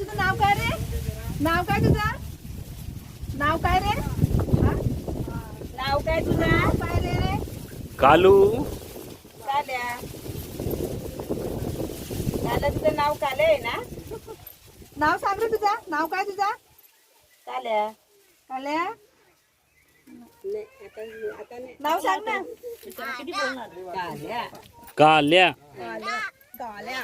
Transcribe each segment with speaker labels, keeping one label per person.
Speaker 1: तुझं नाव काय रे? नाव काय तुझं? नाव काय रे? नाव काय तुझं? काय रे?
Speaker 2: कालू.
Speaker 1: काल्या. काल्या तुझं नाव काल्या आहे ना? नाव सांग रे तुझं. नाव काय तुझं? काल्या. काल्या. नाव सांग ना. काल्या.
Speaker 2: काल्या.
Speaker 1: काल्या. काल्या.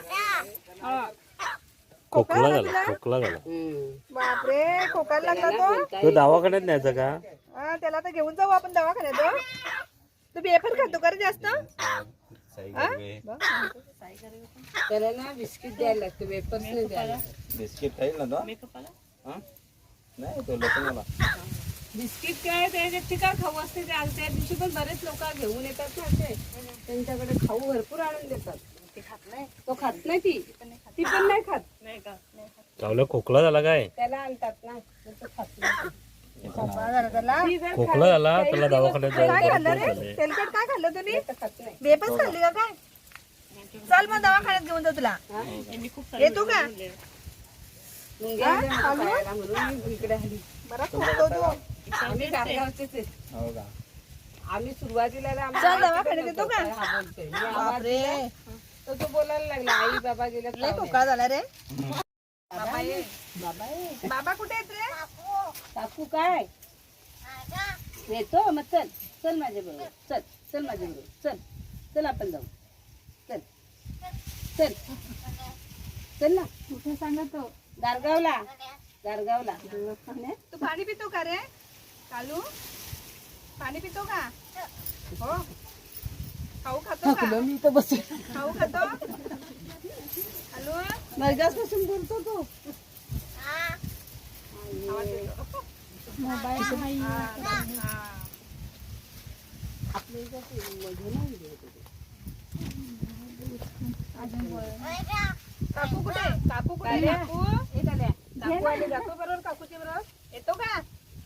Speaker 2: खोकला झाला, खोकला झाला.
Speaker 1: बापरे खोकायला लागला
Speaker 2: तो दवाखान्यात न्यायचा का?
Speaker 1: हा त्याला तर घेऊन जाऊ आपण दवाखान्यात. तू बेफर खातो का रे जास्त?
Speaker 3: त्याला ना बिस्किट द्यायला लागतं, वेपर्स नाही द्यायला.
Speaker 2: बिस्किट खाईल ना तो? नाही तो लोकांना
Speaker 3: बिस्किट काय त्याच्यात काय खाऊ असते ते त्या दिवशी पण बरेच लोक घेऊन येतात ना असे, त्यांच्याकडे खाऊ भरपूर आणून देतात. तो खात नाही, ती पण नाही खात. नाही का?
Speaker 2: चावला खोकला झाला काय?
Speaker 3: त्याला आणतात ना, तो खात नाही.
Speaker 2: खोकला झाला त्याला दवाखान्यात
Speaker 1: काय खाल्लं रे?
Speaker 2: जायचं.
Speaker 1: तेलकट काय खाल्लं तुम्ही?
Speaker 3: खात नाही.
Speaker 1: बेपच खाल्ली का काय? चल मग दवाखान्यात घेऊन जाऊ तुला. येतो का?
Speaker 3: मुंग्या आल्या माझ्या पायाला म्हणून मी इकडे आली.
Speaker 1: बरं खोकतो तू.
Speaker 3: आम्ही गारगावचेच आहेत.
Speaker 2: हो का?
Speaker 3: आम्ही सुरुवातीला
Speaker 1: चल दवाखान्यात येतो का?
Speaker 3: हा बोलतोय. मी आवाज
Speaker 1: बापरे
Speaker 3: दिला, तर तो बोलायला लागला आई बाबा गेले.
Speaker 1: लय खोकला झाला रे.
Speaker 3: बाबा ये, बाबा ये.
Speaker 1: बाबा कुठे आहेत रे?
Speaker 3: काकू काय येतो? मग चल चल माझ्या बरोबर, चल चल माझ्या बरोबर, चल चल आपण जाऊ, चल चल चल ना. कुठे सांगतो? गारगावला, गारगावला.
Speaker 1: तू पाणी पितो का रे? कालू पाणी पितो का? हो. खाऊ खातो का?
Speaker 3: मी तर बस
Speaker 1: खाऊ खातो? कालू
Speaker 3: मर्गासपासून बोलतो तो.
Speaker 1: आवाज येतो.
Speaker 3: मोबाईल
Speaker 1: काकू कुठे? काकू कुठे? काकू काकू आली. जातो बरोबर काकूच्या बरोबर. येतो का?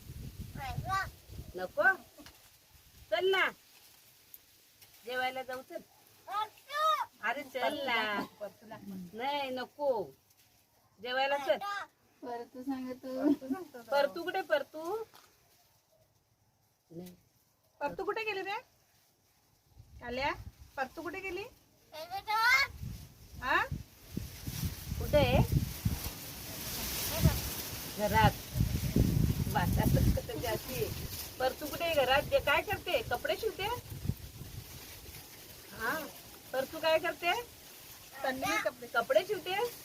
Speaker 3: नको, चल ना जेवायला जाऊ. चल अरे चल ना. नाही नको, जेवायला चल. परतू कुठे? परतू
Speaker 1: परतू कुठे गेली रे? काल्या परतू कुठे गेली? हा
Speaker 3: कुठे? घरात. जास्ती. परतू कुठे? घरात. जे काय करते? कपडे शिवते. हा, परतू काय करते?
Speaker 1: तन्वी कपडे
Speaker 3: कपडे शिवते.